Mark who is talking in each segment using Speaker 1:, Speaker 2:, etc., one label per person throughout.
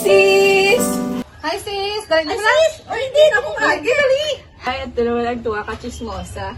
Speaker 1: sis! Hi, sis! Dali na sis! O, hindi na ako lagi. Dali! Ay, at dalawa lang tuwa ka, chismosa.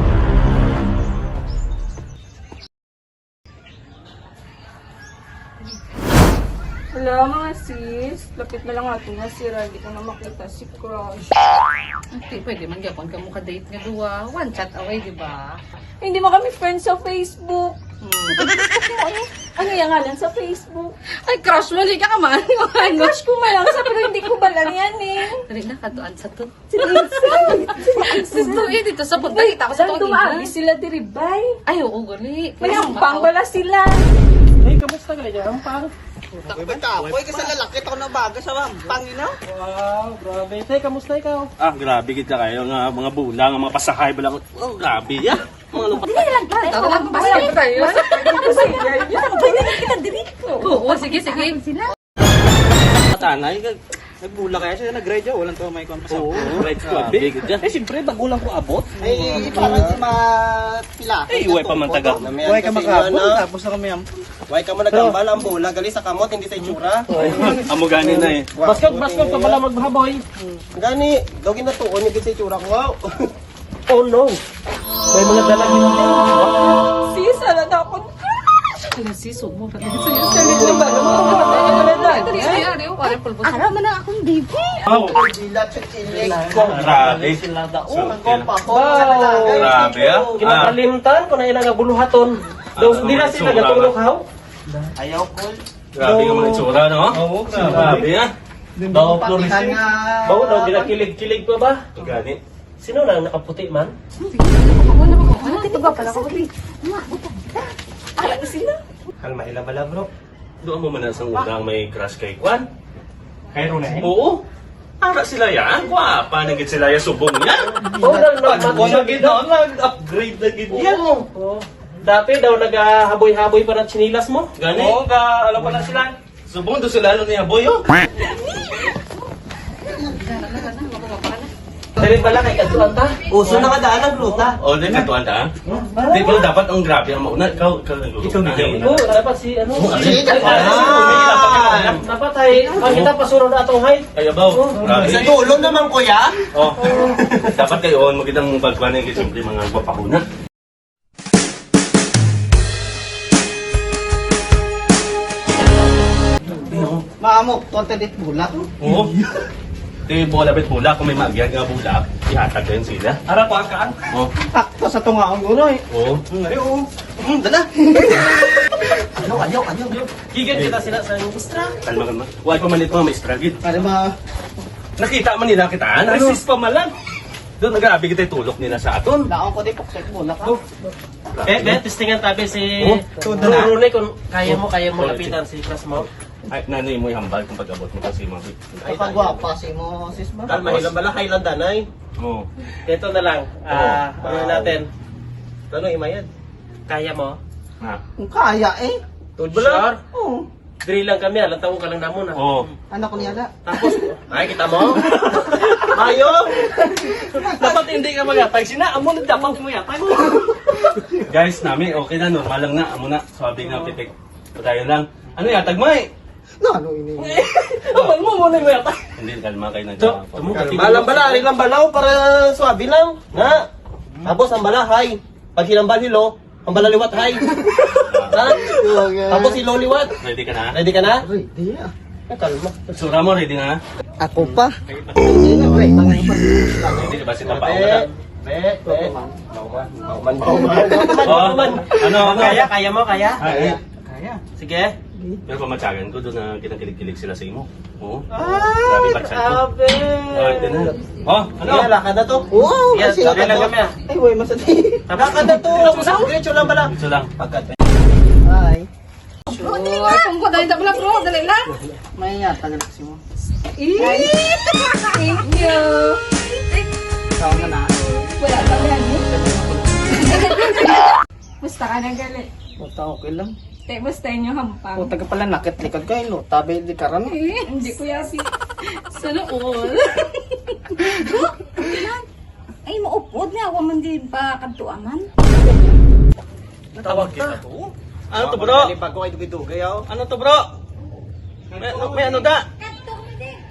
Speaker 1: Hello, mga sis. Lapit na lang natin na sira. Hindi ko na makita si Crush.
Speaker 2: Okay, pwede man gyapon ka mo ka-date nga duwa. One chat away, di ba?
Speaker 1: Hindi mo kami friends sa Facebook. Ano yung ngalan sa Facebook?
Speaker 2: Ay, crush mo, di ka man. Ano?
Speaker 1: Crush ko malang sa pero hindi ko balang yan eh.
Speaker 2: Dali na, katuan sa to.
Speaker 1: Si Lisa.
Speaker 2: Sisto, dito sa punta. Kita ko sa
Speaker 1: Saan
Speaker 2: to.
Speaker 1: dumami sila diribay?
Speaker 2: Ay, oo, gali.
Speaker 1: Mayampang wala sila.
Speaker 3: Hey, kamusta ka dyan? Ampang?
Speaker 4: Uy, ba't ako? Kasi lalaki ako na baga sa pangina.
Speaker 3: Wow, grabe. Hey, kamusta ikaw?
Speaker 5: Ah, grabe kita kayo nga mga bulang, mga pasahay ba lang. Oh, grabe ya. Mga lupa.
Speaker 2: Ikaw lang basket tayo. Oo, sige, sige.
Speaker 5: Tanay,
Speaker 4: Nagbula kaya siya, nag-grade walang to may kon pa sa.
Speaker 5: oo, right grabe kita. Eh, siyempre, bagulang ko abot.
Speaker 4: Ay, parang si mapila.
Speaker 5: Eh, iway pa man taga.
Speaker 4: Huwag ka makabot, tapos na kami am. Huwag ka mo nagkambal, ang bula, gali sa kamot, hindi sa itsura.
Speaker 5: Amo gani na eh.
Speaker 3: Basket ka pala magbahaboy.
Speaker 4: Gani, dogin na tuon, hindi sa itsura ko. Wow.
Speaker 3: Oh no. May mga dalang yun.
Speaker 1: Sis, ala na akong
Speaker 2: Ano si Sumo?
Speaker 1: salit na ba? Wala na.
Speaker 2: Dali, ay, ari, wala pulbos.
Speaker 1: Araman na akong baby.
Speaker 5: Wow,
Speaker 4: Dilat sa chilik ko.
Speaker 5: grabe.
Speaker 4: Ang kompa ko, sa lalagay.
Speaker 5: Grabe ah.
Speaker 3: Kinakalimtan ko na ilang buluhaton. Daw hindi na sila natulog haw.
Speaker 4: Ayaw ko.
Speaker 5: Grabe nga mga itsura, no?
Speaker 3: Oo,
Speaker 5: Grabe ah.
Speaker 3: Daw
Speaker 4: Patihan
Speaker 3: florising.
Speaker 4: nga.
Speaker 3: Bawo daw ginakilig-kilig pa ba?
Speaker 5: Gani.
Speaker 3: Sino lang nakaputi man?
Speaker 1: Dito ba pala ko? Ala na sila.
Speaker 4: Kalma ila bala bro.
Speaker 5: Doon mo man sa unang may crush kay Kwan.
Speaker 3: Kairo na
Speaker 5: Oo. Para sila yan. Wapa na gid sila yung subong yan.
Speaker 3: Oo,
Speaker 5: Nag-gid na, nag-upgrade na gid yan.
Speaker 3: Oo. Dati daw naghahaboy-haboy pa ng chinilas mo.
Speaker 5: Gani? Oo, alam ko na sila. Subong doon sila niya, boy, oh.
Speaker 3: Dali pala kay Katuan ta.
Speaker 4: Uso na kadaan ang gluta.
Speaker 5: O, din katuan ta. Di ba dapat ang grabe ang mauna? Ikaw nagluto na.
Speaker 3: Oo, dapat si ano.
Speaker 4: Sige,
Speaker 3: Dapat ay ang kita pasuro na atong height.
Speaker 5: Kaya ba? Grabe.
Speaker 4: Sa dulo naman kuya.
Speaker 5: Oh. Dapat kayo, magandang pagkuhan ng simple mga papakuna.
Speaker 4: Maamo, konti dit bulak.
Speaker 5: Oo. Di bola bet bola, kung may magyag nga bulak, ihatag din sila.
Speaker 3: Ara ko akaan.
Speaker 5: Oh.
Speaker 4: Takto sa tungaon ko no eh.
Speaker 5: Oo.
Speaker 4: Ngayon. Dala. Ayaw.
Speaker 3: Gigan kita sila sa industria.
Speaker 5: Kalma. Huwag pa man ito may stragit.
Speaker 4: Para ma...
Speaker 5: Nakita man nila kitaan, resist pa man lang. Doon, grabe kita tulok nila sa aton.
Speaker 4: Laon ko di poksek bulak.
Speaker 3: Testingan tabi si
Speaker 4: Todo na.
Speaker 3: Rune kung kaya mo lapitan si class mo.
Speaker 5: Ay, nanay mo ihambal kung pag-abot mo kasi mga
Speaker 4: Kapagwapa si mo sis ba?
Speaker 3: Kalma,
Speaker 4: Hilang bala kailan danay.
Speaker 5: Oo.
Speaker 3: Ito na lang. Ano natin?
Speaker 4: Ano imayad?
Speaker 3: Kaya mo?
Speaker 5: Ha?
Speaker 4: Kung kaya eh.
Speaker 3: Sure?
Speaker 4: Oo.
Speaker 3: Drill lang kami, alam tawo ka lang namon ha.
Speaker 5: Oo.
Speaker 4: Anak ko niya da.
Speaker 3: Tapos, ay kita mo?
Speaker 4: Ayo.
Speaker 3: Dapat hindi ka magapag. Sina, amo na dapat mo yatag.
Speaker 5: Guys, namin, okay na, normal lang na. Amo na, swabe nga, pitik. Patayo lang. Ano yatag mo eh?
Speaker 4: No, ano ini?
Speaker 3: Amal mo muna mo yatag.
Speaker 5: Hindi, kalma kayo na
Speaker 3: So,
Speaker 5: dyan.
Speaker 4: Malang bala, ari lang balaw para swabe lang. Nga. Tapos ang bala hay. Pag hinambal hilo, ang bala liwat hay. Ha? Tapos hilo liwat.
Speaker 5: Ready ka na?
Speaker 4: Ready ka na? Ready ah. Kalma.
Speaker 5: Sura mo, ready na?
Speaker 4: Ako pa.
Speaker 5: Ready ba si Papa? Oh, ano?
Speaker 3: Kaya mo, kaya?
Speaker 5: Ay,
Speaker 3: Sige.
Speaker 5: pero pamatsagan ko doon na kinakilig-kilig sila sa imo. Oo. Grabe patsan ko.
Speaker 3: Sabi.
Speaker 5: Oh, ito na. Oh, ano?
Speaker 4: Ano? Lakad na to? Oo.
Speaker 3: Yan,
Speaker 4: Kasi
Speaker 3: sabi
Speaker 4: lakad
Speaker 3: lang
Speaker 4: na.
Speaker 3: kami ah.
Speaker 4: Ay, way masati. Lakad na to. Diretso lang bala.
Speaker 5: Ito lang.
Speaker 4: Pagkat. Ay.
Speaker 1: Bro, dali nga. Kung ko dali na pala, bro. Dali lang.
Speaker 4: May yata na kasi mo.
Speaker 1: Thank you.
Speaker 4: Ikaw na na.
Speaker 1: Wala pa yan. Basta ka na gali.
Speaker 4: Basta okay lang.
Speaker 1: Te, basta inyo hampang.
Speaker 4: Kung taga pala nakit likod kayo, no? Tabi di karam.
Speaker 1: Hindi ko yasi. Sana all.
Speaker 6: Ay, maupod na ako man din pa kadtuaman.
Speaker 3: Tawag kita to.
Speaker 4: Ano to bro? Pag ko ay dugay-dugay ako. Ano to bro? May ano da?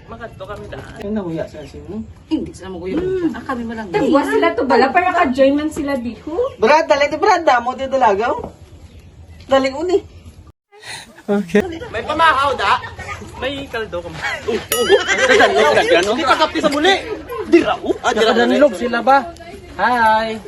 Speaker 3: Makadto kami daan. Ay, nahuya sa asin, no?
Speaker 2: Hindi sila maguyo. Kami mo lang.
Speaker 1: Tagwa sila to bala para ka-join man sila diho.
Speaker 3: Brad, dali di Brad, damo di dalagaw. Dali uni.
Speaker 4: May pamahaw da?
Speaker 3: May kaldo ka.
Speaker 4: Hindi ka kapti sa muli. Dira, ah, dira
Speaker 3: Nakadanlog sila ba? Hi.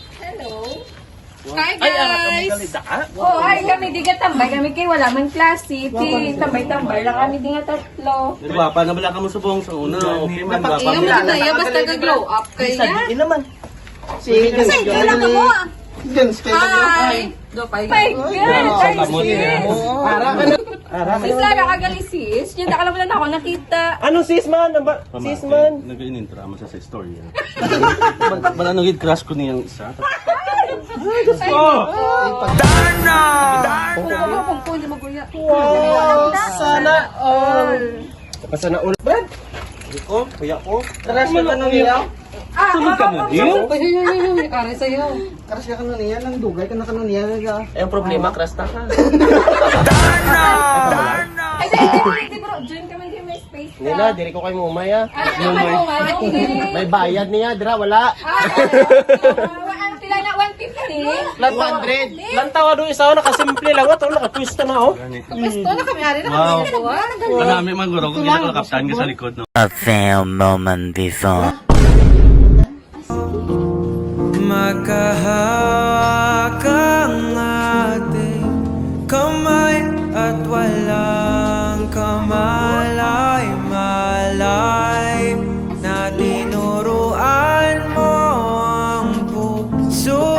Speaker 1: Hi
Speaker 3: Ay, ang
Speaker 1: guys!
Speaker 3: kalida.
Speaker 1: Oh, ay kami di ka tambay. Kami kay wala man klase. Ti tambay-tambay lang kami di nga tatlo.
Speaker 5: Gwapa na bala ka mo subong sa una. Okay man, gwapa
Speaker 2: Iyo
Speaker 5: mo.
Speaker 2: mo na ya basta ga-glow up kay ya.
Speaker 3: Hindi naman. Si
Speaker 6: Kasi kailan ka mo ah.
Speaker 1: Hi!
Speaker 2: Do pa.
Speaker 1: My God! Ay,
Speaker 5: Kamot niya.
Speaker 1: sis Lara, kagali sis. Yung nakala mo na ako nakita.
Speaker 3: Anong sis man? Sis man?
Speaker 5: Nag-inintra mo sa story. Bala nung crush ko niyang isa.
Speaker 2: Kung pwede maguya.
Speaker 3: Sana all. Sana all. Brad,
Speaker 4: ko, kuya ko.
Speaker 3: crush ka na niya?
Speaker 5: Sunod ka mo, Dio?
Speaker 2: Ay, kare sa'yo.
Speaker 3: Crush ka na niya, nang dugay ka na niya. Eh, ang problema, crush na ka.
Speaker 1: Ay, di bro. Join kami din may space ka.
Speaker 4: Nila, diri ko kay mumaya.
Speaker 1: Ay, ako nga.
Speaker 4: May bayad niya, dira, wala.
Speaker 1: Ang pila na 150.
Speaker 4: Flat 100.
Speaker 3: Lantawa doon isa, nakasimple lang. Ito, nakatwist na oh.
Speaker 2: Gusto na kami ari na
Speaker 5: Wow.
Speaker 2: kami.
Speaker 5: Marami man guro kung ginagawa kaptan ka sa likod, no?
Speaker 7: A few moments before.
Speaker 8: Magkahawak ang ating kamay at walang kamalay-malay na tinuruan mo ang puso